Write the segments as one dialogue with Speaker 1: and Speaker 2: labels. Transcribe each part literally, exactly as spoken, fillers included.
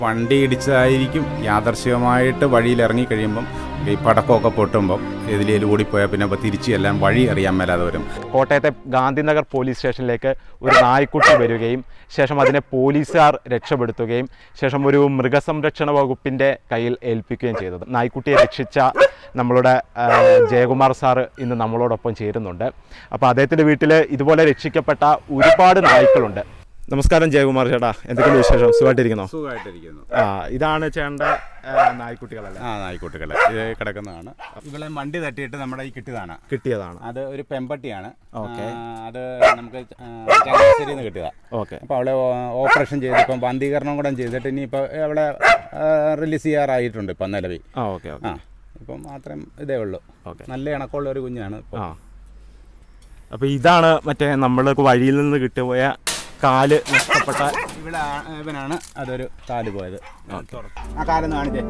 Speaker 1: വണ്ടി ഇടിച്ചതായിരിക്കും യാദർശികമായിട്ട് വഴിയിൽ ഇറങ്ങി കഴിയുമ്പം ഈ പടക്കമൊക്കെ പൊട്ടുമ്പം എതിലേലും ഓടിപ്പോയാൽ പിന്നെ അപ്പോൾ തിരിച്ച് എല്ലാം വഴി അറിയാൻ മേലാതെ വരും.
Speaker 2: കോട്ടയത്തെ ഗാന്ധിനഗർ പോലീസ് സ്റ്റേഷനിലേക്ക് ഒരു നായ്ക്കുട്ടി വരികയും ശേഷം അതിനെ പോലീസുകാർ രക്ഷപ്പെടുത്തുകയും ശേഷം ഒരു മൃഗസംരക്ഷണ വകുപ്പിൻ്റെ കയ്യിൽ ഏൽപ്പിക്കുകയും ചെയ്തത്. നായ്ക്കുട്ടിയെ രക്ഷിച്ച നമ്മളുടെ ജയകുമാർ സാറ് ഇന്ന് നമ്മളോടൊപ്പം ചേരുന്നുണ്ട്. അപ്പോൾ അദ്ദേഹത്തിൻ്റെ വീട്ടിൽ ഇതുപോലെ രക്ഷിക്കപ്പെട്ട ഒരുപാട് നായ്ക്കളുണ്ട്. നമസ്കാരം ജയകുമാർ ചേട്ടാ, എന്തൊക്കെയാണ് വിശേഷം? സുഖമായിട്ടിരിക്കുന്നോ?
Speaker 1: സുഖമായിട്ടിരിക്കുന്നു.
Speaker 2: ആ, ഇതാണ് ചേട്ടൻ്റെ നായ്ക്കുട്ടികളല്ലേ?
Speaker 1: ആ, നായ്ക്കുട്ടികളെ ഇത് കിടക്കുന്നതാണ്. ഇവളെ വണ്ടി തട്ടിയിട്ട് നമ്മുടെ ഈ കിട്ടിയതാണ്
Speaker 2: കിട്ടിയതാണ്
Speaker 1: അത് ഒരു പെമ്പട്ടിയാണ്.
Speaker 2: ഓക്കെ.
Speaker 1: അത് നമുക്ക് ചങ്ങനാശ്ശേരിയിൽ നിന്ന് കിട്ടിയതാണ്.
Speaker 2: ഓക്കെ.
Speaker 1: അപ്പോൾ അവളെ ഓപ്പറേഷൻ ചെയ്ത് ഇപ്പം ബന്ധീകരണം കൂടെ ചെയ്തിട്ട് ഇനിയിപ്പോൾ അവളെ റിലീസ് ചെയ്യാറായിട്ടുണ്ട് ഇപ്പം നിലവിൽ.
Speaker 2: ആ, ഓക്കെ.
Speaker 1: ആ, ഇപ്പം മാത്രം ഇതേ ഉള്ളൂ.
Speaker 2: ഓക്കെ.
Speaker 1: നല്ല ഇണക്കമുള്ള ഒരു കുഞ്ഞാണ്.
Speaker 2: ആ, അപ്പോൾ ഇതാണ് മറ്റേ നമ്മൾ വഴിയിൽ നിന്ന് കിട്ടിപ്പോയ കാല് നഷ്ടപ്പെട്ട
Speaker 1: ഇവിടെ ഇവനാണ് അതൊരു കാല് പോയത്. ആ കാലൊന്ന് കാണിച്ചേ.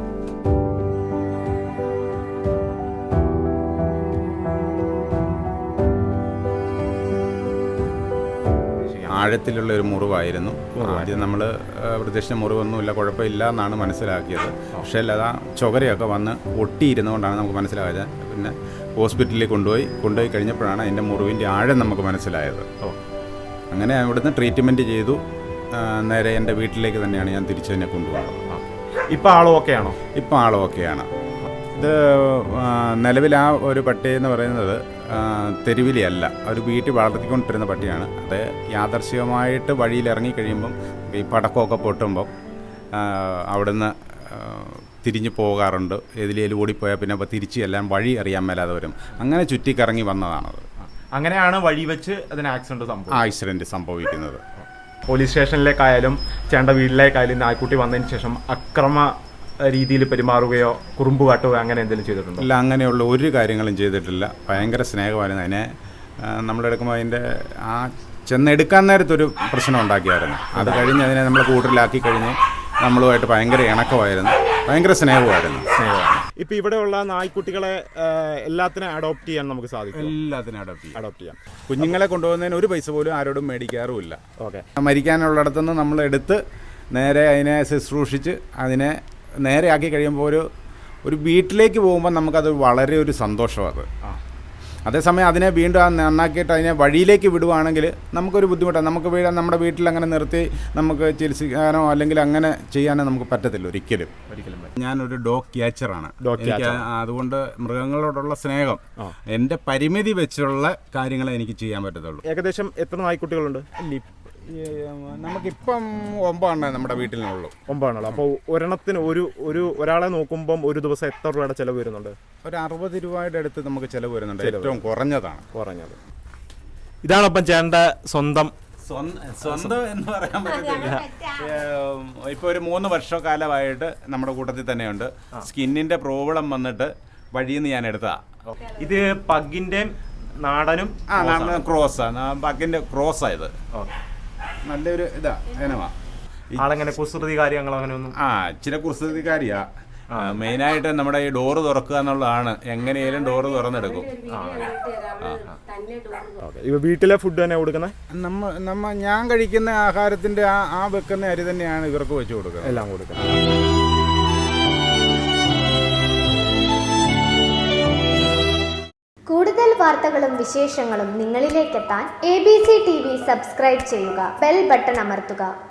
Speaker 1: ആഴത്തിലുള്ള ഒരു മുറിവായിരുന്നു. ആദ്യം നമ്മൾ പ്രത്യക്ഷ മുറിവൊന്നുമില്ല, കുഴപ്പമില്ല എന്നാണ് മനസ്സിലാക്കിയത്. പക്ഷേ അതാ ചുകരയൊക്കെ വന്ന് ഒട്ടിയിരുന്നുകൊണ്ടാണ് നമുക്ക് മനസ്സിലായത്. പിന്നെ ഹോസ്പിറ്റലിൽ കൊണ്ടുപോയി കൊണ്ടുപോയി കഴിഞ്ഞപ്പോഴാണ് അതിൻ്റെ മുറിവിൻ്റെ ആഴം നമുക്ക് മനസ്സിലായത്. അങ്ങനെ അവിടുന്ന് ട്രീറ്റ്മെൻറ്റ് ചെയ്തു. നേരെ എൻ്റെ വീട്ടിലേക്ക് തന്നെയാണ് ഞാൻ തിരിച്ചതിനെ കൊണ്ടുപോകുന്നത്.
Speaker 2: ഇപ്പോൾ ആളും ഓക്കെയാണോ?
Speaker 1: ഇപ്പോൾ ആളും ഓക്കെയാണ്. ഇത് നിലവിൽ ആ ഒരു പട്ടി എന്ന് പറയുന്നത് തെരുവിലെയല്ല, ഒരു വീട്ടിൽ വളർത്തിക്കൊണ്ടിരുന്ന പട്ടിയാണ്. അത് യാദർശികമായിട്ട് വഴിയിൽ ഇറങ്ങി കഴിയുമ്പം ഈ പടക്കമൊക്കെ പൊട്ടുമ്പം അവിടുന്ന് തിരിഞ്ഞു പോകാറുണ്ട്. എതിലേലും ഓടിപ്പോയാൽ പിന്നെ അപ്പോൾ തിരിച്ച് എല്ലാം വഴി അറിയാൻ മേലാതെ വരും. അങ്ങനെ ചുറ്റിക്കറങ്ങി വന്നതാണത്.
Speaker 2: അങ്ങനെയാണ് വഴി വെച്ച് അതിന് ആക്സിഡന്റ് സംഭവം
Speaker 1: ആക്സിഡന്റ് സംഭവിക്കുന്നത്.
Speaker 2: പോലീസ് സ്റ്റേഷനിലേക്കായാലും ചേണ്ട വീട്ടിലേക്കായാലും നായ്ക്കുട്ടി വന്നതിന് ശേഷം അക്രമ രീതിയിൽ പെരുമാറുകയോ കുറുമ്പ് കാട്ടുകയോ അങ്ങനെ എന്തെങ്കിലും ചെയ്തിട്ടുണ്ടോ?
Speaker 1: ഇല്ല, അങ്ങനെയുള്ള ഒരു കാര്യങ്ങളും ചെയ്തിട്ടില്ല. ഭയങ്കര സ്നേഹമായിരുന്നു. അതിനെ നമ്മളെടുക്കുമ്പോൾ അതിൻ്റെ ആ ചെന്നെടുക്കാൻ നേരത്തൊരു പ്രശ്നം ഉണ്ടാക്കിയായിരുന്നു. അത് കഴിഞ്ഞ് അതിനെ നമ്മൾ കൂട്ടിലാക്കി കഴിഞ്ഞ് നമ്മളുമായിട്ട് ഭയങ്കര ഇണക്കമായിരുന്നു, ഭയങ്കര സ്നേഹമായിരുന്നു. സ്നേഹമാണ്.
Speaker 2: ഇപ്പം ഇവിടെയുള്ള നായ്ക്കുട്ടികളെ എല്ലാത്തിനും അഡോപ്റ്റ് ചെയ്യാൻ നമുക്ക് സാധിക്കും.
Speaker 1: എല്ലാത്തിനും അഡോപ്റ്റ് ചെയ്യാം
Speaker 2: അഡോപ്റ്റ് ചെയ്യാം
Speaker 1: കുഞ്ഞുങ്ങളെ കൊണ്ടുപോകുന്നതിന് ഒരു പൈസ പോലും ആരോടും മേടിക്കാറുമില്ല.
Speaker 2: ഓക്കെ.
Speaker 1: മരിക്കാനുള്ളിടത്തുനിന്ന് നമ്മൾ എടുത്ത് നേരെ അതിനെ ശുശ്രൂഷിച്ച് അതിനെ നേരെ ആക്കി കഴിയുമ്പോൾ ഒരു ഒരു വീട്ടിലേക്ക് പോകുമ്പോൾ നമുക്കത് വളരെ ഒരു സന്തോഷമാണ്. അതേസമയം അതിനെ വീണ്ടും ആ നന്നാക്കിയിട്ട് അതിനെ വഴിയിലേക്ക് വിടുവാണെങ്കിൽ നമുക്കൊരു ബുദ്ധിമുട്ടാണ്. നമുക്ക് വീട് നമ്മുടെ വീട്ടിൽ അങ്ങനെ നിർത്തി നമുക്ക് ചികിത്സിക്കാനോ അല്ലെങ്കിൽ അങ്ങനെ ചെയ്യാനോ നമുക്ക് പറ്റത്തില്ല ഒരിക്കലും. ഒരിക്കലും ഞാനൊരു ഡോഗ് ക്യാച്ചറാണ്. അതുകൊണ്ട് മൃഗങ്ങളോടുള്ള സ്നേഹം എൻ്റെ പരിമിതി വെച്ചുള്ള കാര്യങ്ങളെ എനിക്ക് ചെയ്യാൻ പറ്റത്തുള്ളൂ.
Speaker 2: ഏകദേശം എത്ര നായ്ക്കുട്ടികളുണ്ട്?
Speaker 1: നമുക്കിപ്പം ഒമ്പതെണ്ണേ നമ്മുടെ വീട്ടിലുള്ളൂ.
Speaker 2: ഒമ്പതാണല്ലോ. അപ്പോൾ ഒരെണ്ണത്തിന് ഒരു ഒരു ഒരാളെ നോക്കുമ്പം ഒരു ദിവസം എത്ര രൂപയുടെ ചിലവ് വരുന്നുണ്ട്?
Speaker 1: ഒരു അറുപത് രൂപയുടെ അടുത്ത് നമുക്ക് ചിലവ് വരുന്നുണ്ട്. ഏറ്റവും കുറഞ്ഞതാണ്.
Speaker 2: കുറഞ്ഞത് ഇതാണപ്പം ചേട്ടൻ്റെ സ്വന്തം
Speaker 1: സ്വന്തം എന്ന് പറയാൻ പറ്റത്തില്ല. ഇപ്പോൾ ഒരു മൂന്ന് വർഷക്കാലമായിട്ട് നമ്മുടെ കൂട്ടത്തിൽ തന്നെയുണ്ട്. സ്കിന്നിൻ്റെ പ്രോബ്ലം വന്നിട്ട് വഴിയിൽ നിന്ന് ഞാൻ എടുത്തതാ.
Speaker 2: ഇത് പഗ്ഗിൻ്റെ നാടനും
Speaker 1: ആ നാടൻ ക്രോസാണ്. പഗ്ഗിൻ്റെ ക്രോസായത് നല്ലൊരു ഇതാ ഇനമാ.
Speaker 2: ആളെങ്ങനെ കുസൃതി കാര്യങ്ങൾ അങ്ങനെ ഒന്നും?
Speaker 1: ആ, ഇച്ചിരി കുസൃതിക്കാരിയാ. മെയിനായിട്ട് നമ്മുടെ ഈ ഡോറ് തുറക്കുക എന്നുള്ളതാണ്. എങ്ങനെയാലും ഡോറ് തുറന്നെടുക്കും.
Speaker 2: വീട്ടിലെ ഫുഡ് തന്നെ കൊടുക്കുന്നത്?
Speaker 1: നമ്മ നമ്മ ഞാൻ കഴിക്കുന്ന ആഹാരത്തിന്റെ ആ ആ വെക്കുന്ന അരി തന്നെയാണ് ഇവർക്ക് വെച്ച് കൊടുക്കുന്നത്.
Speaker 2: എല്ലാം കൊടുക്കുന്നത്.
Speaker 3: കൂടുതൽ വാർത്തകളും വിശേഷങ്ങളും നിങ്ങളിലേക്കെത്താൻ എ ബി സി ടി വി സബ്സ്ക്രൈബ് ചെയ്യുക, ബെൽ ബട്ടൺ അമർത്തുക.